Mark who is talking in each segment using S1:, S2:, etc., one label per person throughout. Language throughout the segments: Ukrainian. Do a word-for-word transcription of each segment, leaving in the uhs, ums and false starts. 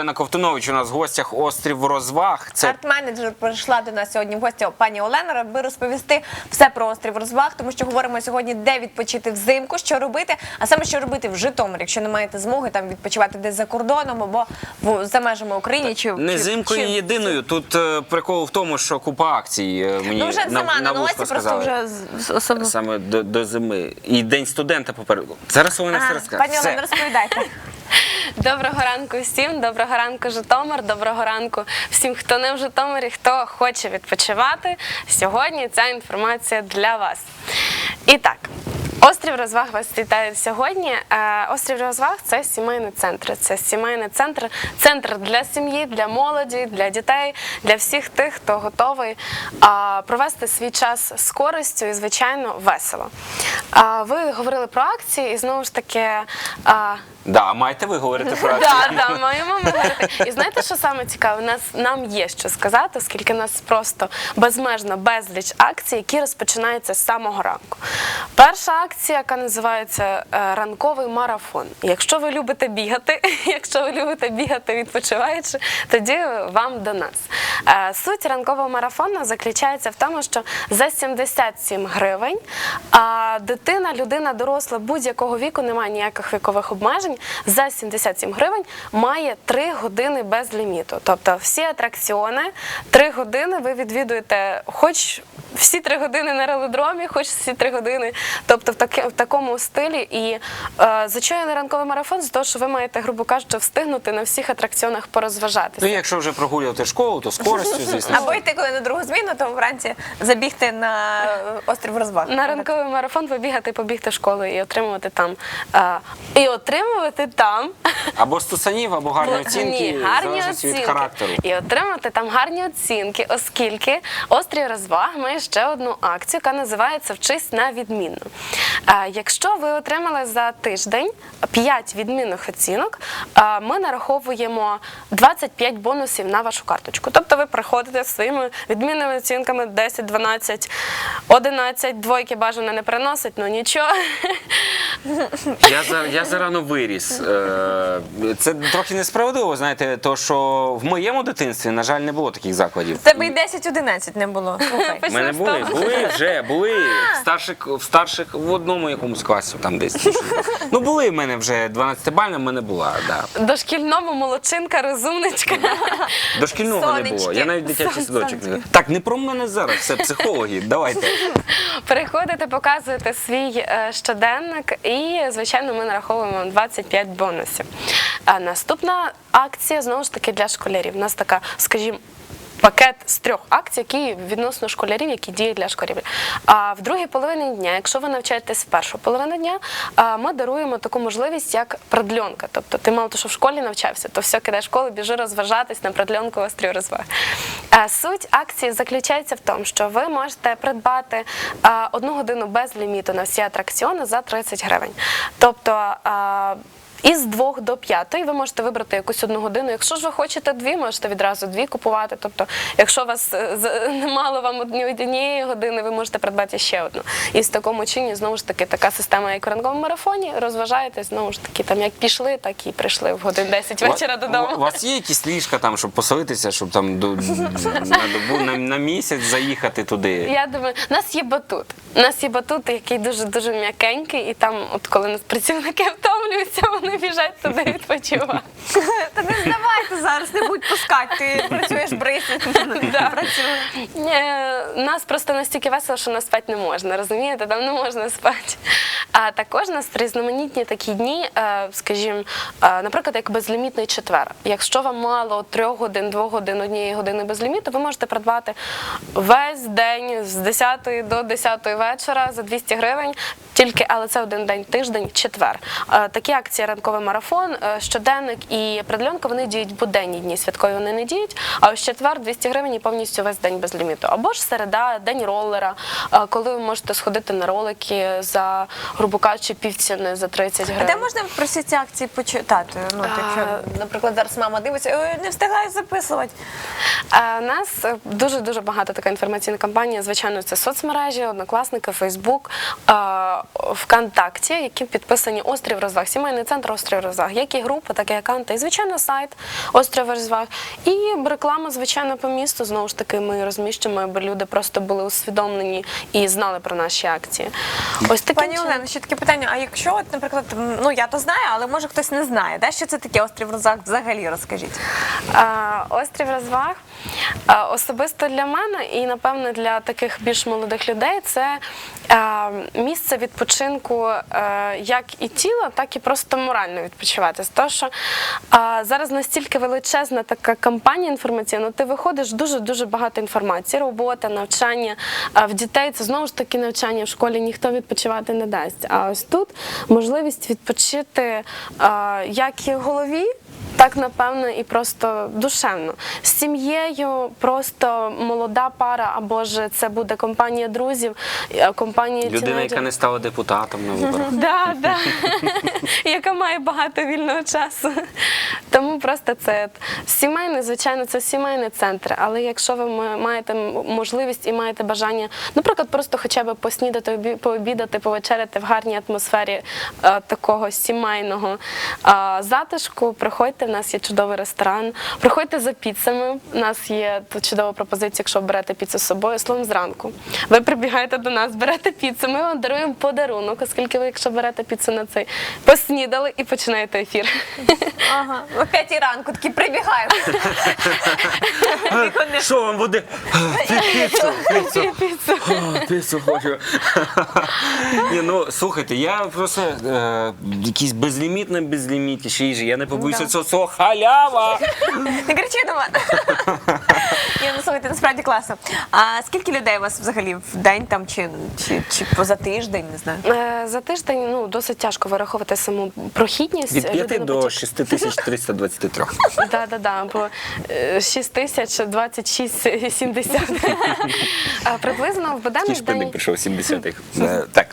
S1: Олена Ковтунович у нас в гостях «Острів розваг».
S2: Це... Арт-менеджер прийшла до нас сьогодні в гості пані Олена, аби розповісти все про «Острів розваг», тому що говоримо сьогодні, де відпочити взимку, що робити, а саме що робити в Житомирі, якщо не маєте змоги там відпочивати десь за кордоном або в, за межами України. Чи,
S1: не зимкою чи... єдиною. Тут е, прикол в тому, що купа акцій е, мені
S2: ну, вже
S1: на,
S2: зима
S1: на
S2: на носі, просто вже особливо.
S1: Саме до, до зими. І День студента попереду. Зараз Олена все розкаже.
S2: Пані Олена, розповідайте.
S3: Доброго ранку всім, доброго ранку Житомир, доброго ранку всім, хто не в Житомирі, хто хоче відпочивати. Сьогодні ця інформація для вас. І так, Острів розваг вас вітає сьогодні. Острів розваг – це сімейний центр. Це сімейний центр, центр для сім'ї, для молоді, для дітей, для всіх тих, хто готовий провести свій час з користю і, звичайно, весело. Ви говорили про акції і, знову ж таки...
S1: Да, маєте ви говорити про акції?
S3: Так, да, да, маємо ми говорити. І знаєте, що саме цікаве? Нас, нам є що сказати, оскільки у нас просто безмежно безліч акцій, які розпочинаються з самого ранку. Перша акція, яка називається «Ранковий марафон». Якщо ви любите бігати, якщо ви любите бігати відпочиваючи, тоді вам до нас. Суть ранкового марафону заключається в тому, що за сімдесят сім гривень дитина, людина, доросла будь-якого віку, немає ніяких вікових обмежень, за сімдесят сім гривень має три години без ліміту. Тобто всі атракціони, три години ви відвідуєте, хоч всі три години на велодромі, хоч всі три години, тобто в, таки, в такому стилі. І е, за що я ранковий марафон? З того, що ви маєте, грубо кажучи, встигнути на всіх атракціонах порозважатися.
S1: Ну, якщо вже прогулювати школу, то з користю, звісно.
S2: Або йти коли на другу зміну, то вранці забігти на Острів розваг.
S3: На ранковий марафон побігати, побігти в школу і отримувати там. Е, і отримувати там.
S1: Або стусанів, або гарні оцінки,
S3: Ні, гарні
S1: залежить від
S3: оцінки.
S1: характеру.
S3: І отримати там гарні оцінки, оскільки Острів розваг має ще одну акцію, яка називається «Вчись на відмінно». А, якщо ви отримали за тиждень п'ять відмінних оцінок, а, ми нараховуємо двадцять п'ять бонусів на вашу карточку. Тобто ви приходите зі своїми відмінними оцінками десять, дванадцять, одинадцять, двойки бажано не приносить, ну нічого.
S1: Я, за, я зарано виріс. Це трохи несправедливо, знаєте, то що в моєму дитинстві, на жаль, не було таких закладів.
S2: В тебе і десять одинадцять не було.
S1: У мене були, були вже, були в старших, в старших, в одному якомусь класі, там десь. Ну, були в мене вже, дванадцятибальна в мене була, да.
S3: Дошкільному молодчинка, розумничка.
S1: Дошкільного не було, я навіть дитячий садочок не. Так, не про мене зараз, це психологи, давайте.
S3: Приходите, показуєте свій е, щоденник і, звичайно, ми нараховуємо вам двадцять п'ять бонусів. А наступна акція, знову ж таки, для школярів. У нас така, скажімо, пакет з трьох акцій, які відносно школярів, які діють для школярів. А в другій половині дня, якщо ви навчаєтесь в першу половину дня, ми даруємо таку можливість, як продльонка. Тобто ти мало того, що в школі навчався, то все, кидай школу, біжи розважатись на продльонку Острів розваг. Суть акції заключається в тому, що ви можете придбати одну годину без ліміту на всі атракціони за тридцять гривень. Тобто із двох до п'ятої ви можете вибрати якусь одну годину. Якщо ж ви хочете дві, можете відразу дві купувати. Тобто, якщо вас мало вам однієї години, ви можете придбати ще одну. І в такому чині, знову ж таки, така система, як у ранковому марафоні, розважаєтесь, знову ж таки, там як пішли, так і прийшли в годин десять вечора додому.
S1: У вас є якісь ліжка там, щоб поселитися, щоб там до, на добу, на, на місяць заїхати туди? Я
S3: думаю, у нас є батут. У нас є батут, який дуже-дуже м'якенький, і там, от коли працівники втомлюються, вони біжать туди відпочивати.
S2: Та не здавайте зараз, не будь пускати, ти працюєш брисі.
S3: Нас просто настільки весело, що нас спати не можна, розумієте? Там не можна спати. А також у нас різноманітні такі дні, скажімо, наприклад, як безлімітний четвер. Якщо вам мало трьох годин, двох годин, однієї години без ліміту, ви можете придбати весь день з десятої до десятої вечора за двісті гривень, тільки, але це один день, тиждень, четвер. Такі акції ранковий марафон, щоденник і продльонка, вони діють буденні дні, святкові вони не діють, а ось четвер двісті гривень і повністю весь день без ліміту. Або ж середа, день ролера, коли ви можете сходити на ролики за, грубо кажучи, півціни за тридцять гривень.
S2: А де можна про всі ці акції почитати? Ну, якщо, наприклад, зараз мама дивиться, не встигаю записувати.
S3: У нас дуже-дуже багато така інформаційна кампанія, звичайно, це соцмережі, Однокласники, Фейсбук, ВКонтакті. ВКонтакті, які підписані Острів розваг, сімейний центр Острів розваг, як і група, так і аккаунти, і звичайно сайт Острів розваг. І реклама, звичайно, по місту, знову ж таки, ми розміщуємо, аби люди просто були усвідомлені і знали про наші акції. Ось таким
S2: Пані
S3: чином.
S2: Олено, ще таке питання, а якщо, от, наприклад, м, ну я то знаю, але може хтось не знає, да? Що це таке острів розваг взагалі, розкажіть.
S3: А, Острів розваг а, особисто для мене і, напевно, для таких більш молодих людей це а, місце відпочинку а, як і тіла, так і просто морально відпочивати. Тому що а, зараз настільки величезна така кампанія інформаційна, ти виходиш, дуже-дуже багато інформації, робота, навчання. А в дітей це знову ж таки навчання, в школі ніхто відпочивати не дасть. А ось тут можливість відпочити а, як і в голові, так, напевно, і просто душевно. З сім'єю просто молода пара, або ж це буде компанія друзів, е, компанія
S1: Людина,
S3: тінейджерів.
S1: яка не стала депутатом на виборах.
S3: Да, да. Яка має багато вільного часу. Тому просто це сімейний, звичайно, це сімейний центр. Але якщо ви маєте можливість і маєте бажання, наприклад, просто хоча б поснідати, обі- пообідати, повечеряти в гарній атмосфері е, такого сімейного е, затишку, приходьте, в нас є чудовий ресторан. Приходьте за піцами. У нас є тут чудова пропозиція, якщо берете піцу з собою, словом зранку. Ви прибігаєте до нас, берете піцу, ми вам даруємо подарунок, оскільки ви, якщо берете піцу на цей, поснідали і починаєте ефір.
S2: Ага. О п'ятій ранку такі прибігаємо.
S1: Що вам буде? Піцу, піцу.
S3: Піцу.
S1: О, піцу хочу. Ні, ну, слухайте, я просто е, якийсь безлімітна, безлімітніші їжі. Я не побоюся цього слова халява.
S2: Не кричи до мене. Ні, ну слухайте, насправді класно. А скільки людей у вас взагалі в день там чи, чи, чи поза тиждень, не знаю?
S3: Е, За тиждень ну, досить тяжко вираховувати саму прохідність.
S1: Від п'яти
S3: Людина
S1: до
S3: потім-
S1: шість тисяч триста двадцять три.
S3: Да, да, да, бо е, шість тисяч двадцять шість сімдесят. А приблизно в буденний
S1: Ті
S3: день
S1: прийшов сімдесятих. Е, Так.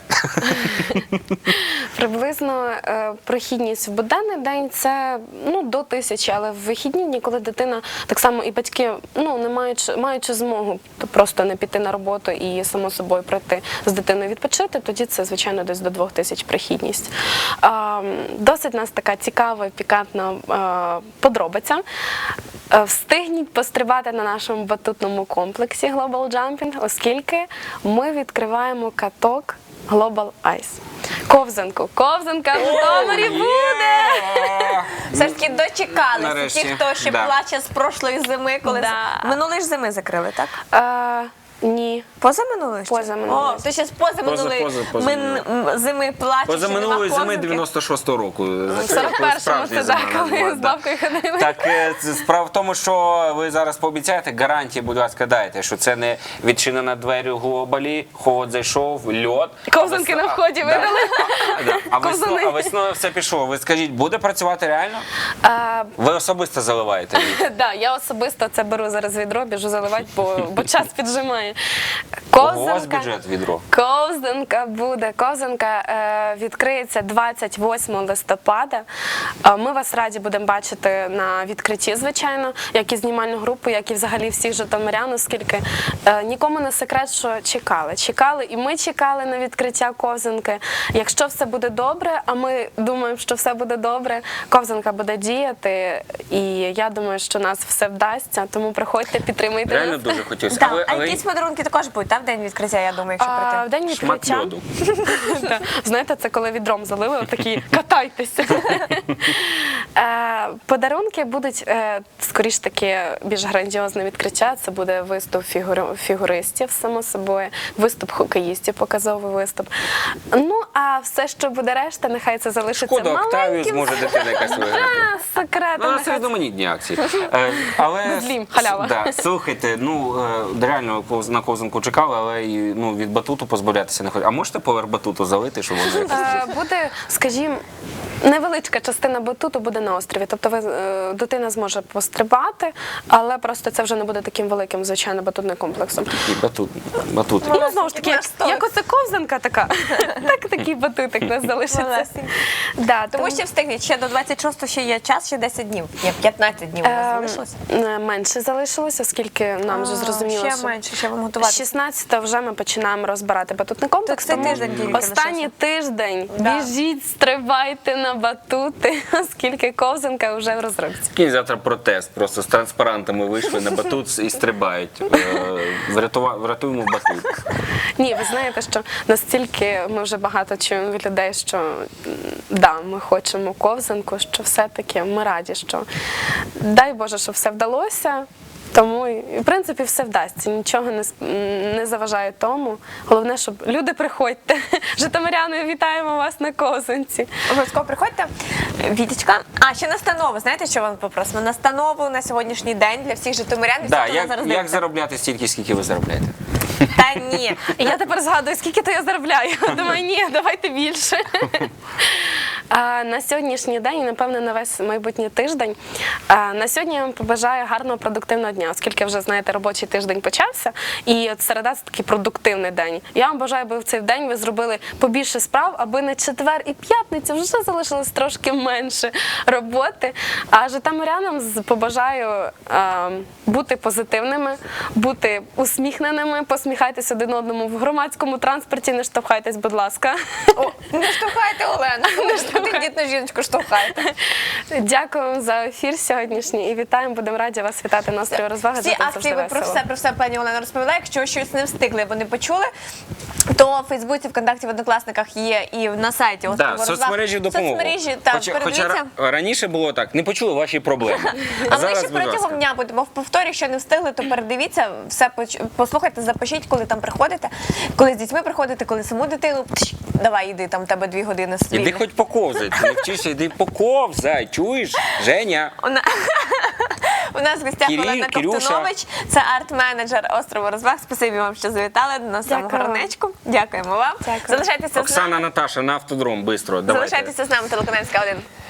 S3: приблизно е, прохідність в буденний день це ну до тисячі, але в вихідні дні, коли дитина так само і батьки ну не маючи маючи змогу то просто не піти на роботу і само собою прийти з дитиною відпочити, тоді це звичайно десь до двох тисяч прохідність. Е, Досить у нас така цікава, і пікантна е, подробиця. Е, Встигніть пострибати на нашому батутному комплексі Global Jumping, оскільки ми відкриваємо каток Global Ice. Ковзанку. Ковзанка в Житомирі буде!
S2: Все ж таки дочекалися.
S1: Нарешті,
S2: Ті, хто ще
S1: да.
S2: плаче з прошлої зими, коли
S3: Да.
S2: з- минулої ж зими закрили, так?
S3: Е, ні.
S2: Поза минулої? ще?
S3: Поза минулої.
S2: О, то ще з поза минулої
S1: поза- поза
S2: мин- м, зими плаче,
S1: Поза
S2: що нема
S1: минулої зими
S2: ковзанки.
S1: дев'яносто шостого року.
S3: В сорок першому це так, коли з бабкою ходили.
S1: Так, е, це справа в тому, що ви зараз пообіцяєте, гарантії, будь ласка, дайте, що це не відчинена двері у глобалі, холод зайшов, льод.
S3: Ковзанки
S1: а
S3: на
S1: весна-
S3: вході
S1: да.
S3: видали.
S1: А, да. А весно-
S3: Ковзани.
S1: а весною все пішло. Ви скажіть, буде працювати реально?
S3: Е,
S1: Ви особисто заливаєте її?
S3: Да, я особисто це беру зараз відро, біжу заливати, бо, бо час піджимає.
S1: У вас бюджет відро.
S3: Ковзанка буде. Ковзанка е, відкриється двадцять восьмого листопада. Е, ми вас раді будемо бачити на відкритті, звичайно, як і знімальну групу, як і взагалі всіх житомирян, оскільки е, нікому не секрет, що чекали. Чекали, і ми чекали на відкриття ковзанки. Якщо все буде добре, а ми думаємо, що все буде добре, ковзанка буде діяти, і я думаю, що нас все вдасться, тому приходьте, підтримуйте
S1: Реально
S3: нас.
S1: дуже хотілося.
S2: Так,
S1: Але,
S2: а
S1: але
S2: якісь подарунки також будуть, так, в день відкриття, я думаю, якщо
S3: А, в
S2: прийти.
S3: день
S1: шмат
S3: відкриття.
S1: льоду.
S3: Так. Знаєте, це коли відром залили, такі катайтеся. Е, Подарунки будуть е, скоріш таки більш грандіозне відкриття. Це буде виступ фігури- фігуристів, само собою, виступ хокеїстів, показовий виступ. Ну, а все, що буде решта, нехай це залишиться
S1: Шкода, Октавію
S3: маленьким.
S1: зможе дитина якась виграти.
S3: а, секретом.
S1: Ну,
S3: нехай
S1: це різноманітні акції. Е, Але,
S3: Безлім, халява.
S1: Да, слухайте, ну, е, реально повз- на ковзанку чекали, але і, ну, від батуту позбавлятися не хочуть. А можете поверх батуту залити, щоб вони якось...
S3: Е, Буде, скажімо, невеличка частина батуту буде на острові. Тобто ви, е, дитина зможе пострибати, але просто це вже не буде таким великим, звичайно, батутним комплексом.
S1: Такий батут, батут.
S3: Ну, знову ж таки,
S2: Наш столик.
S3: як оце ковзанка така, так такий батутик у нас залишиться.
S2: Малесенький.
S3: Да,
S2: Тому що встигніть, ще до двадцять шостого ще є час, ще десять днів. Ні, п'ятнадцять днів у нас
S3: Ем,
S2: залишилося.
S3: е, менше залишилося, оскільки нам вже
S2: А,
S3: зрозуміло,
S2: ще
S3: що
S2: менше, ще
S3: да,
S2: готувати?
S3: шістнадцятого вже ми починаємо розбирати батутний комплекс.
S2: цей
S3: тому
S2: тиждень тільки
S3: останній
S2: лишився.
S3: тиждень
S2: Да.
S3: біжіть, стрибайте на батути, оскільки ковзанка вже в розробці.
S1: Кінь завтра протест, просто з транспарантами вийшли на батут і стрибають. Е, врятува- Врятуємо батут.
S3: Ні, ви знаєте, що настільки ми вже багато чуємо від людей, що м, да, ми хочемо ковзанку, що все-таки ми раді, що дай Боже, що все вдалося. Тому, і, в принципі, все вдасться, нічого не, с- м, не заважає тому. Головне, щоб люди приходьте. Житомиряни, вітаємо вас на ковзанці.
S2: Обов'язково приходьте. Вітечка. А, ще настанову. Знаєте, що вам попросимо? Настанову на сьогоднішній день для всіх житомирян. і всіх,
S1: Да,
S2: хто нас
S1: як,
S2: зараз
S1: як
S2: дивиться.
S1: заробляти стільки, скільки ви заробляєте?
S2: Та ні.
S3: І я тепер згадую, скільки то я заробляю. Думаю, ні, давайте більше. А, на сьогоднішній день, і, напевно, на весь майбутній тиждень. А, на сьогодні я вам побажаю гарного продуктивного дня, оскільки вже, знаєте, робочий тиждень почався, і от середа – це такий продуктивний день. Я вам бажаю, аби в цей день ви зробили побільше справ, аби на четвер і п'ятницю вже залишилось трошки менше роботи. А житомирянам з- побажаю а, бути позитивними, бути усміхненими, посміхайтесь один одному в громадському транспорті, не штовхайтесь, будь ласка.
S2: О, не штовхайте, Олена. Не штовхайте. Дітну жіночку штовхайте.
S3: Дякую вам за ефір сьогоднішній і вітаємо. Будемо раді вас вітати на остріві розваги.
S2: Всі
S3: Тут
S2: акції
S3: завжди
S2: ви про
S3: весело.
S2: все, про все пані Олена розповіла. Якщо щось не встигли, або не почули, то в Фейсбуці, ВКонтакті, в Однокласниках є і на сайті
S1: Да,
S2: «Острову розваг».
S1: соцмережі допомогу.
S2: Соцмережі, так,
S1: хоча, хоча
S2: передивіться.
S1: ра- раніше було так, не почули ваші проблеми.
S2: А ми
S1: Зараз,
S2: ще
S1: будь ласка.
S2: протягом дня будемо в повторі. Якщо не встигли, то передивіться, все поч- послухайте, запишіть, коли там приходите, коли з дітьми приходите, коли саму дитину. Пш, давай, іди, там в тебе дві години
S1: Іди
S2: свій.
S1: хоч поковзай, ти не вчишся, іди поковзай, чуєш? Женя.
S2: У на- У нас в гостях
S1: Кирил,
S2: Олена
S1: Кирюша.
S2: Ковтунович, це арт-менеджер острову розваг. Спасибі вам, що завітали до нас в саму
S3: Дякую.
S2: горнечку. Дякуємо вам.
S3: Дякую.
S2: Залишайтеся з нами.
S1: Оксана, Наташа, на автодром, бистро, давайте.
S2: Залишайтеся з нами, телеканал СК один.